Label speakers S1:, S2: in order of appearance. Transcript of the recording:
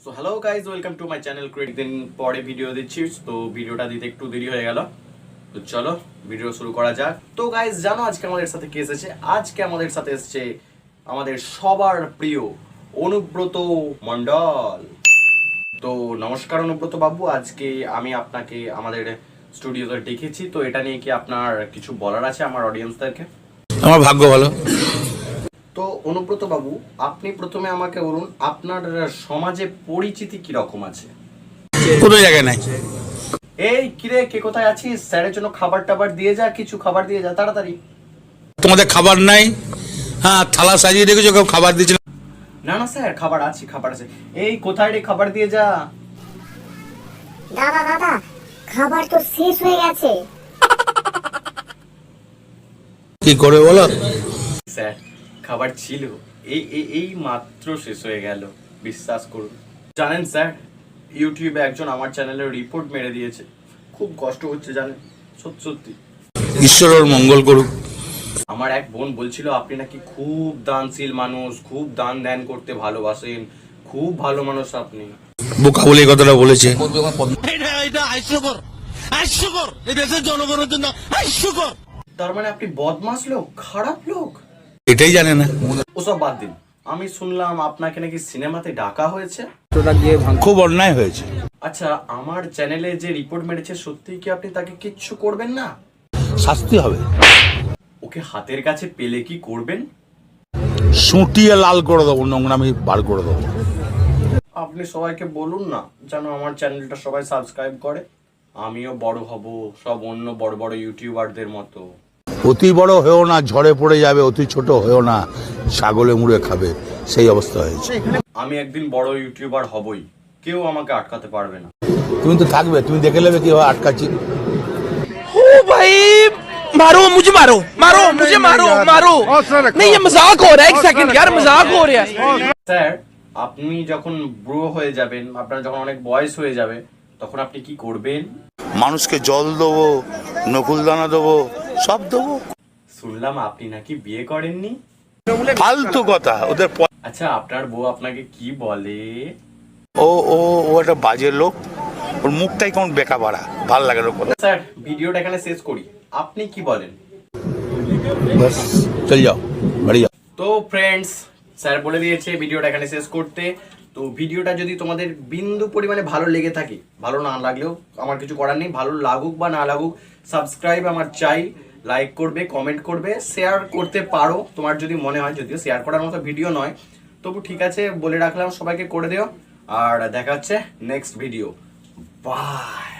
S1: So hello guys, welcome to my channel. Create দিন পরে video দিচ্ছি, তো ভিডিওটা দিতে একটু দেরি হয়ে গেল। তো চলো ভিডিও শুরু করা যাক। তো গাইজ জানো আজকে আমাদের সাথে কে এসেছে? আজকে আমাদের সাথে এসেছে আমাদের সবার প্রিয় অনুব্রত মণ্ডল। তো নমস্কার অনুব্রত বাবু, আজকে আমি আপনাকে আমাদের স্টুডিওতে ডেকেছি। তো এটা নিয়ে কি আপনার কিছু বলার আছে আমার অডিয়েন্সদেরকে?
S2: আমার ভাগ্য ভালো।
S1: তো অনুব্রত বাবু, আপনি প্রথমে আমাকে বলুন আপনার সমাজে পরিচিতি কি রকম আছে?
S2: কোনো জায়গায় নাই।
S1: এই কিরে, কে কোথায় আছিস? স্যারের জন্য খাবার টাবার দিয়ে যা, কিছু খাবার দিয়ে যা তাড়াতাড়ি।
S2: তোমাদের খাবার নাই? হ্যাঁ, থালা সাজিয়ে রেখেছো, কেউ খাবার দিচ্ছে না।
S1: না না স্যার, খাবার আছে, খাবার আছে। এই কোথায় রে, খাবার দিয়ে যা।
S3: দাদা দাদা, খাবার তো শেষ হয়ে গেছে।
S2: কি করে বলো?
S1: স্যার খাবার ছিল, এই এই এই মাত্র শেষ হয়ে গেল, বিশ্বাস করুন। জানেন স্যার, ইউটিউবে একজন আমার চ্যানেলে রিপোর্ট মেরে দিয়েছে। খুব কষ্ট হচ্ছে জানেন, সত্যি সত্যি।
S2: ঈশ্বর ওর মঙ্গল করুক।
S1: আমার এক বোন বলছিল আপনি নাকি খুব দানশীল মানুষ, খুব দান ধ্যান করতে ভালোবাসেন, খুব ভালো মানুষ আপনি।
S2: বোকা বলে এই কথাটা বলেছে।
S1: তার মানে আপনি বদমাশ লোক, খারাপ লোক?
S2: এটাই জানে না।
S1: ওসব বাদ দিন, আমি শুনলাম আপনাকে নাকি সিনেমাতে ডাকা হয়েছে।
S2: খুব অন্যায় হয়েছে।
S1: আচ্ছা, আমার চ্যানেলে যে রিপোর্ট মেরেছে, সত্যি কি আপনি তাকে কিচ্ছু করবেন না?
S2: শাস্তি হবে।
S1: ওকে হাতের কাছে পেলে কি করবেন?
S2: সুটিয়ে লাল করে দেবো, নোংরামি বার করে দেবো।
S1: আপনি সবাইকে বলুন না যেন আমার চ্যানেলটা সবাই সাবস্ক্রাইব করে, আমিও বড় হব সব অন্য বড় বড় ইউটিউবারদের মতো।
S2: অতি বড় হয়েও না, ঝড়ে পড়ে যাবে। অতি ছোট হয়েও না, ছাগলে মুড়ে খাবে, সেই অবস্থা হয়েছে।
S1: আমি একদিন বড় ইউটিউবার হবই, কেউ আমাকে আটকাতে পারবে না।
S2: তুমি তো থাকবে, তুমি দেখে নেবে কিভাবে আটকাচ্ছি।
S4: ओ भाई मारो मुझे, मारो मारो मुझे, मारो मारो। नहीं ये मजाक हो रहा है, एक सेकंड यार, मजाक हो रहा है।
S1: স্যার, আপনি যখন বুড়ো হয়ে যাবেন, আপনার যখন অনেক বয়স হয়ে যাবে, তখন আপনি কি করবেন?
S2: মানুষকে জল দেবো, নকুল দানা দেবো, সব দেবো।
S1: শুনলাম আপনি নাকি বিয়ে করেননি।
S2: ফালতু কথা ওদের।
S1: আচ্ছা, আপনার বউ আপনাকে কি বলে?
S2: ও ও ও একটা বাজে লোক, ওর মুখটাই কেমন বেকা বাড়া, ভাল লাগে না কথা।
S1: স্যার ভিডিওটা এখানে শেষ করি, আপনি কি বলেন?
S2: বাস চল যাও, বাড়ি যাও।
S1: তো ফ্রেন্ডস, স্যার বলে দিয়েছে ভিডিওটা এখানে শেষ করতে। তো ভিডিওটা যদি তোমাদের বিন্দু পরিমাণে ভালো লেগে থাকে, ভালো না লাগলেও আমার কিছু করার নেই, ভালো লাগুক বা না লাগুক, সাবস্ক্রাইব আমার চাই, লাইক করবে, কমেন্ট করবে, শেয়ার করতে পারো তোমার যদি মনে হয়, যদিও শেয়ার করার মতো ভিডিও নয়, তবু ঠিক আছে বলে রাখলাম, সবাইকে করে দিও। আর দেখা হচ্ছে নেক্সট ভিডিও। বাই।